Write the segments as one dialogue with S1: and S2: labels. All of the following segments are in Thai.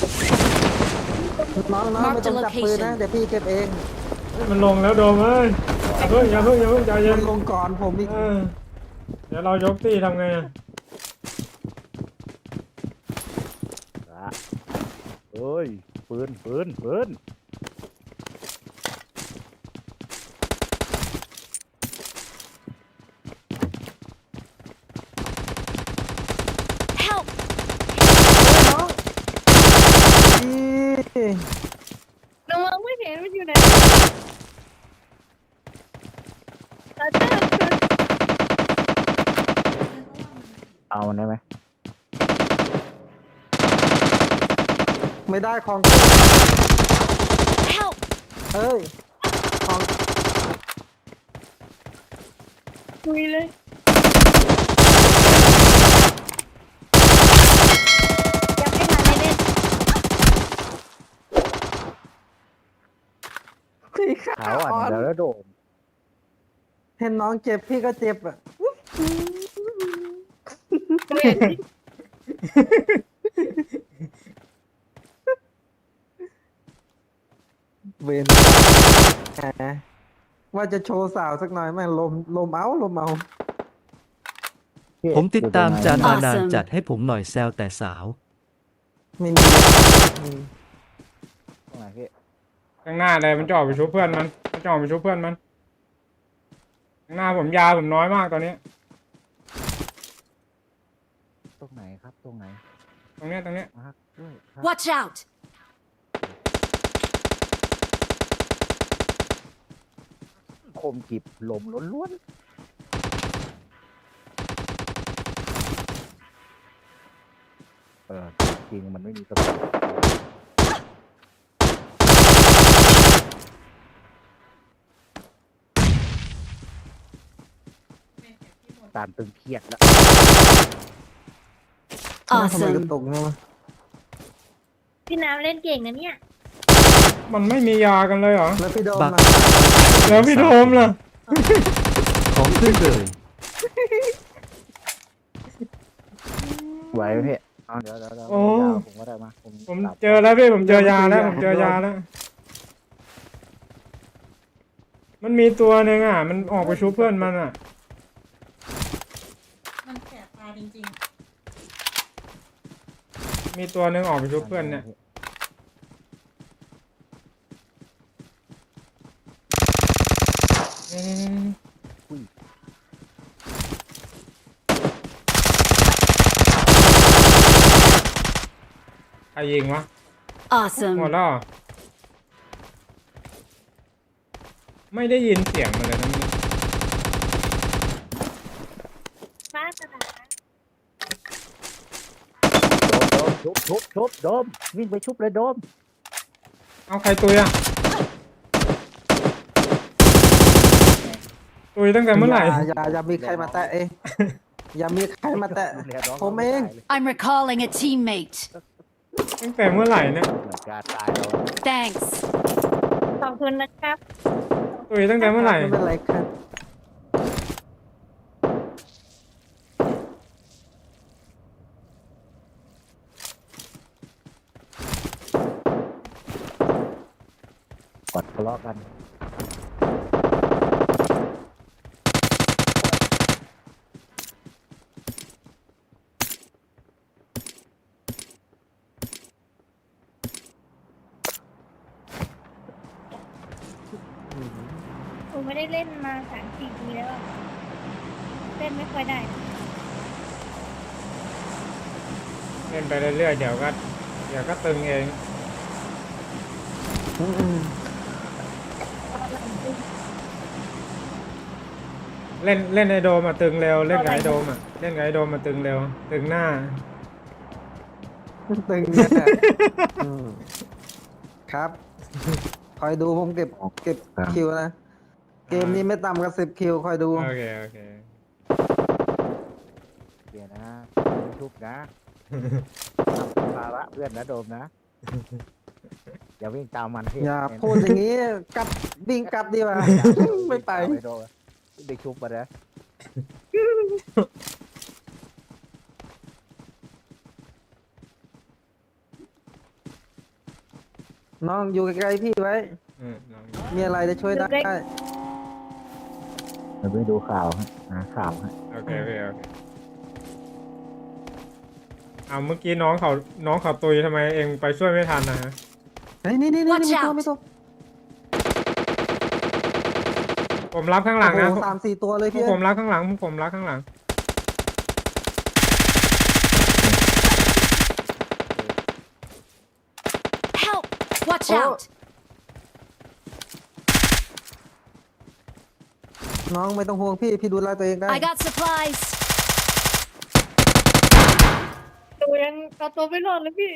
S1: น้องไม่ต้องจับปืนนะเดี๋ยวพี่เก็บเอง
S2: มันลงแล้วโดมเอ้ยอย่าเพิ่งใจเย็
S1: มัน นลงก่อนผมอีก
S2: เดี๋ยวเรายกตีทำไงอะ
S3: เอ้ยปืน
S4: Help!
S1: น้อง
S5: น้องไม่เห็นมันอยู่ไหนตาเจ้า
S3: เอามันได้ไหม
S1: ไม่ได้ของ
S4: Help!
S1: เอ้ยของ
S5: คุยเลยยังไม่ทันได้เล่น
S1: พี่ขา
S3: ขาวอ่อนเดี๋ยวแล้วโดม
S1: เห็นน้องเจ็บพี่ก็เจ็บอ่ะ
S5: เห็นดิ
S1: เวนแหมว่าจะโชว์สาวสักหน่อยแม่งลมเอา
S6: ผมติดตามจานมานาน
S4: Awesome
S6: จัดให้ผมหน่อยแซวแต่สาว
S1: ไม่มีอืม
S3: ตรงไหนพี่
S2: ข้างหน้าเลยมันจ่อไปชุบเพื่อนมันจ่อไปชุบเพื่อนมันข้างหน้าผมยาผมน้อยมากตอนนี้
S3: ตรงไหนครับตรงไหน
S2: ตรงเนี้ย
S3: มาร์คด้วยครับ
S4: Watch out!
S3: คมกิบลมล้วนจริงมันไม่มีกระสุนตามตึงเครียดแล้ว
S1: ทำไมก
S4: Awesome!
S1: ระตุกเนี่ยวะ
S5: พี่น้ำเล่นเก่งนะเนี่ย
S2: มันไม่มียากันเลยเหรอ
S1: แล้วพี่โดม
S6: บัก
S1: มา
S2: แล้วพี่โดมล่ะ
S6: ของขึ้นเลย
S3: ไหวไหมพี่เอาเดี๋ยว
S2: โอ้
S3: ยาวผมก็ได้มาผม
S2: ผม
S3: ตัด
S2: เจอแล้วพี่ผมเจอยาแล้วผมเจอยาแล้ว มันมีตัวหนึ่งอ่ะ มันออกไปชุบเพื่อนมันอ่ะ
S7: มันแสบตาจริง
S2: มีตัวหนึ่งออกไปชุบเพื่อนเนี่ยใครยิงวะ
S4: Awesome!
S2: หมดแล้วเหรอไม่ได้ยินเสียงมันเลยนะมัน
S5: ฟ้ากระดาษ
S3: โดมชุบโดมวิ่งไปชุบเลยโดม
S2: เอาใครตุยอ่ะตุยตั้งแต่เมื่อไหร่
S1: อย่ามีใครมาแตะเองอย่ามีใครมาแตะ ผมเอง
S4: I'm recalling a teammate.
S2: ตั้งแต่เมื่อไหร่เนี่ย
S3: เหมือนการตายเรา
S4: Thanks.
S5: ขอบคุณนะครับ
S2: ตุยตั้งแต่เมื่อไหร่
S1: ไม่เป็นไรครับ
S3: กดทะเลาะกัน
S5: ผมไม่ได้เล่นมา3-4 ปีแล้วอะเล่นไม่ค่อยได้
S2: เล่นไปเรื่อยๆเดี๋ยวก็ตึงเอง
S1: อืม
S2: เล่นไอโดมมาตึงเร็วเล่นกับไอโดมอ่ะเล่นกับไอโดมมาตึงเร็วตึงหน้า
S1: ตึงเนี่ยอืมครับ คอยดูผมเก็บคิวนะ เกมนี้ไม่ต่ำกว่า10 คิวคอยดู
S2: โอเค
S3: เดี๋ยวนะไม่ชุบนะทำเป็นภาระเพื่อนนะโดมนะอย่าวิ่งตามมันพี่
S1: อย่าพูดอย่างนี้กลับวิ่งกลับดีกว่า ไม่ไป
S3: โดมได้ชุบมาแล้ว
S1: น้องอยู่ใกล้ๆพี่ไว้
S2: น้อง
S1: มีอะไรจะช่วยได้
S3: เดี๋ยวไปดูข่าวฮะหาข่าวฮะ
S2: โอเคเอาเมื่อกี้น้องเขาตุยทำไมเองไปช่วยไม่ทันนะฮะ
S1: เฮ้ยนี่
S4: Watch
S1: ไม่
S4: out
S1: ตัว
S2: ผมรับข้างหลังนะ
S1: โอ้โห3-4 ตัวเลย
S2: พว
S1: พี่
S2: กผมรับข้างหลังพวกผมรับข้างหลัง
S4: Help! Watch
S1: Oh.
S4: out!
S1: น้องไม่ต้องห่วงพี่ดูแลตัวเองได้
S4: I got supplies.
S5: ตัวยังเอาตัวไม่รอดเลยพี่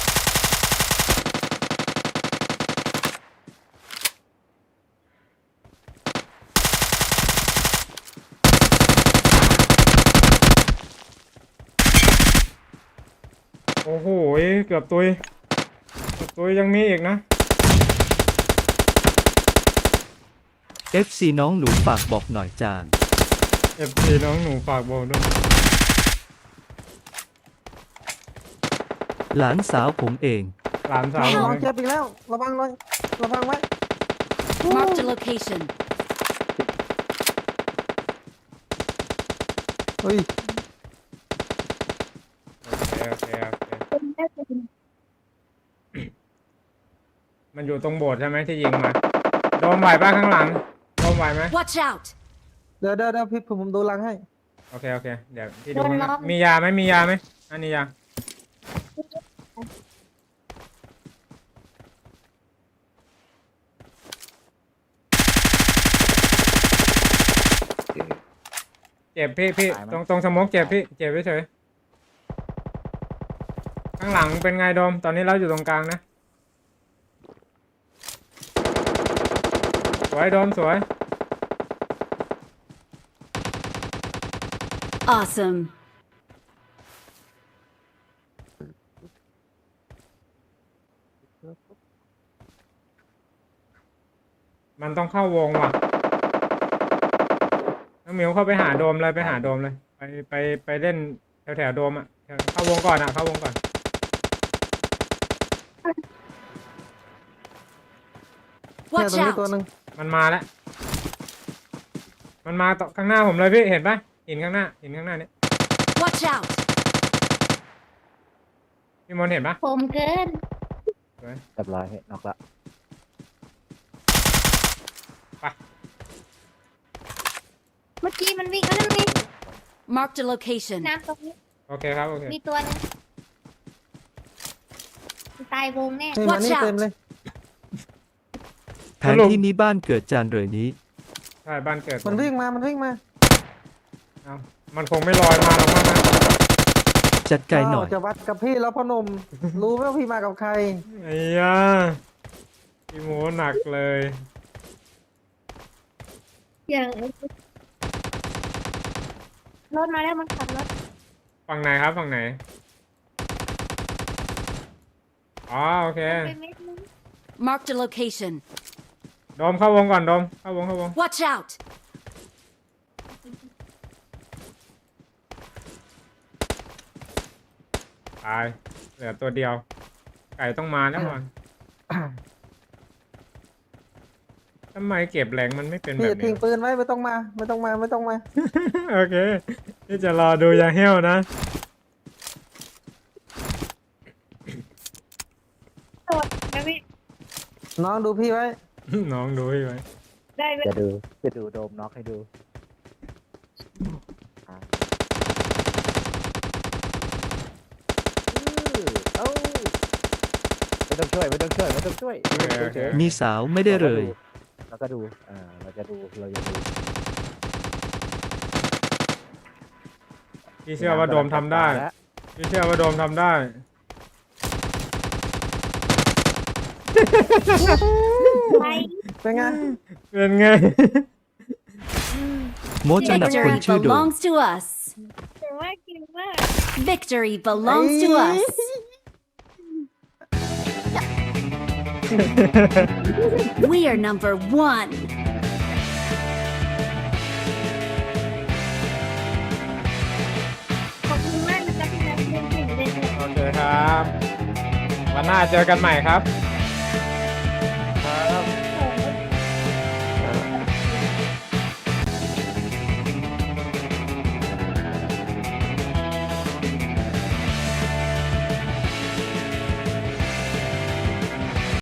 S2: โอ้โหเกือบตุยยังมีอีกนะ
S6: FC น้องหนูฝากบอกหน่อยจาน
S2: FC น้องหนูฝากบอกด้วย
S6: หลานสาวผมเอง
S2: หลานสาว
S1: น้องเจ็บอีกแล้ว ระวังไว้
S4: Marked a location.
S1: เฮ้ย
S2: โอเค
S5: เป็นได้เป็น
S2: มันอยู่ตรงโบสถ์ใช่ไหมที่ยิงมาโดมไหวป่ะข้างหลังโดมไหวไหม
S4: Watch out!
S1: เดี๋ยวพี่ผมดูหลังให้
S2: โอเคเดี๋ยวพี่ดูข้างหลังมียาไหมอันนี้ยาเจ็บพี่ตรงสโมกเจ็บพี่เจ็บเฉยข้างหลังเป็นไงโดมตอนนี้เราอยู่ตรงกลางนะสวยโดมสวย
S4: Awesome.
S2: มันต้องเข้าวงว่ะน้องหมิวเข้าไปหาโดมเลยไปเล่นแถวโดมอ่ะเข้าวงก่อนอ่ะเข้าวงก่อน
S1: เนี่ย
S4: Watch
S1: ตรงนี้ตัว
S4: out!
S1: หนึ่ง
S2: มันมาแล้วมันมาต่อข้างหน้าผมเลยพี่เห็นปะหินข้างหน้าเนี่ย
S4: Watch out!
S2: พี่มนต์เห็นปะ
S5: ผมเกิน
S2: สวย
S3: เรียบร้อยเฮ้ยนอกละ
S5: เมื่อกี้มันวิ่งแล้วนี่
S4: Marked a location.
S5: น้ำตรงนี้
S2: โอเคครับโอเค
S5: มีตัวหนึงตายวงแน่
S1: นี่มา
S4: Watch
S1: นี่
S4: out
S1: เต็มเลย
S6: แผนที่นี้บ้านเกิดจานเลยนี้
S2: ใช่บ้านเกิด
S1: มันวิ่งมา
S2: เอ้ามันคงไม่ลอยมาหรอกมั้งนะ
S6: จัดไกลหน่อย
S1: จะวัดกับพี่แล้วพ่อหนุ่ม รู้ไหมว่าพี่มากับใคร
S2: ไอ้ยาพี่โมหนักเลย
S5: อย่างรถมาแล้วมันขับรถ
S2: ฝั่งไหนครับฝั่งไหนอ๋อโอเค
S5: ไปเม็ดนึง
S4: Marked a location.
S2: โดมเข้าวงก่อนโดมเข้าวง
S4: Watch out!
S2: ตายเหลือตัวเดียวไก่ต้องมาแล้วก่อนทำไมเก็บแรงมันไม่เป็น
S1: พี่
S2: แบบ
S1: ทิ้
S2: นี้
S1: งปืนไว้ไม่ต้องมา
S2: โอเคที่จะรอดูยาเหี้ยวนะ
S5: โดดนะพี่
S1: น้องดูพี่ไว้
S2: น้องดูให้ไว้
S5: ได้ไหม
S3: จะดูโดมน็อกให้ดูเอ้าไม่ต้องช่วย
S2: โอเค
S6: มีสาวไม่ได้เลย
S3: เราก็ดูเราจะดู
S2: พี่เชื่อว่าโดมทำได้พี่เชื่อว่าโดมทำได้
S5: ไป
S1: เป็นไง
S2: เป็นไง
S6: โมจะหนักคน
S4: Victory
S6: ชื่อโดม
S4: belongs to us.
S5: แต่ว่ากินมาก
S4: Victory belongs to us. We are number one.
S5: ขอบคุณมากนะครับที่นัดเล่นถึงเล่น
S2: โอเคครับ วันหน้าเจอกันใหม่ครับ